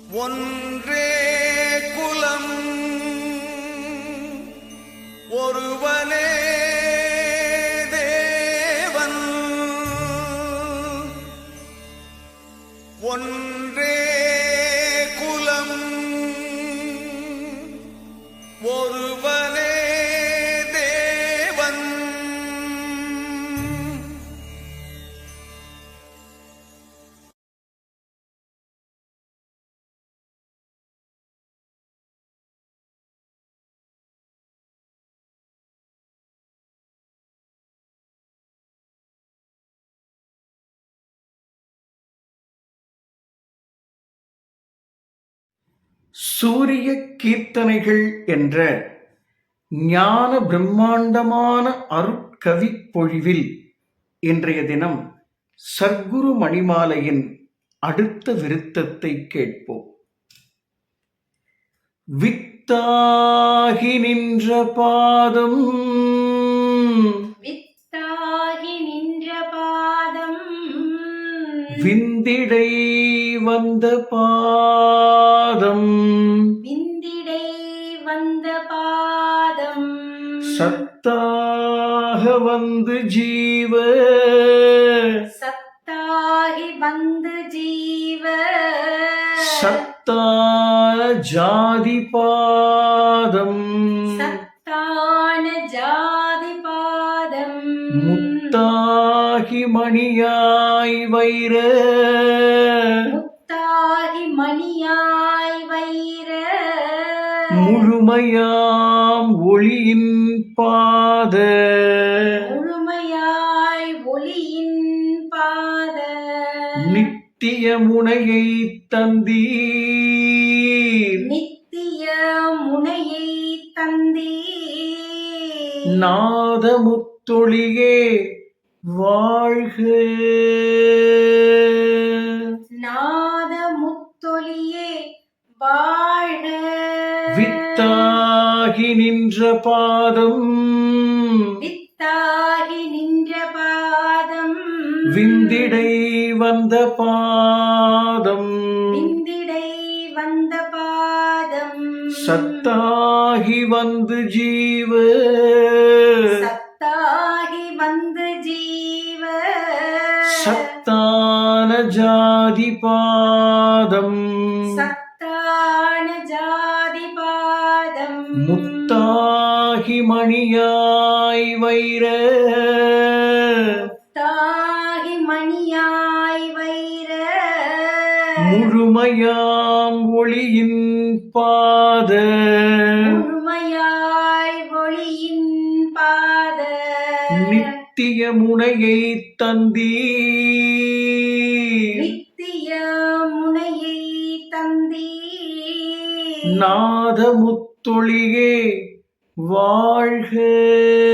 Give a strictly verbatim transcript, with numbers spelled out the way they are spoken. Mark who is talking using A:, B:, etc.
A: ஒன்றே குலம் ஒருவனே தேவன் ஒன்றே குலம் ஒருவனே தேவன்.
B: சூரிய கீர்த்தனைகள் என்ற ஞான பிரம்மாண்டமான அருட்கவிப் பொழிவில் இன்றைய தினம் சர்க்குரு மணிமாலையின் அடுத்த விருத்தத்தை கேட்போம். வித்தாகி நின்ற பாதம்
C: வித்தாகி நின்ற பாதம்
B: விந்திடை வந்த பாதம்
C: விந்திடை வந்த பாதம்
B: சத்தாக வந்து ஜீவ
C: சத்தாகி வந்து ஜீவ
B: சத்தான ஜாதி பாதம்
C: சத்தான ஜாதி பாதம்
B: முத்தாகி மணியாய் வைர
C: முத்தாகி மணியாய் வைர
B: முழுமையாம் ஒளியின் பாத
C: முழுமையாய் ஒளியின் பாத
B: நித்திய முனையை தந்தீர்
C: நித்திய முனையை தந்தீ
B: நாதமுத்தொழியே வாழ்க.
C: நாத முத்தொலியே வாழ்க.
B: வித்தாகி நின்ற பாதம்
C: வித்தாகி நின்ற பாதம்
B: விந்திடை வந்த பாதம்
C: விந்திடை வந்த பாதம்
B: சத்தாகி வந்து ஜீவ
C: சத்தாகி வந்து ஜீவ
B: சத்தான ஜாதி பாதம்
C: சத்தான ஜாதி பாதம்
B: முத்தாகி மணியாய் வைர
C: முத்தாகி மணியாய் வைர
B: முழுமையாம் ஒளியின் பாத
C: முழுமையாய் ஒளியின் பாத
B: நித்திய முனையை தந்தீ
C: நித்திய முனையை தந்தீ
B: நாதமுத்தொழியே வாழ்க.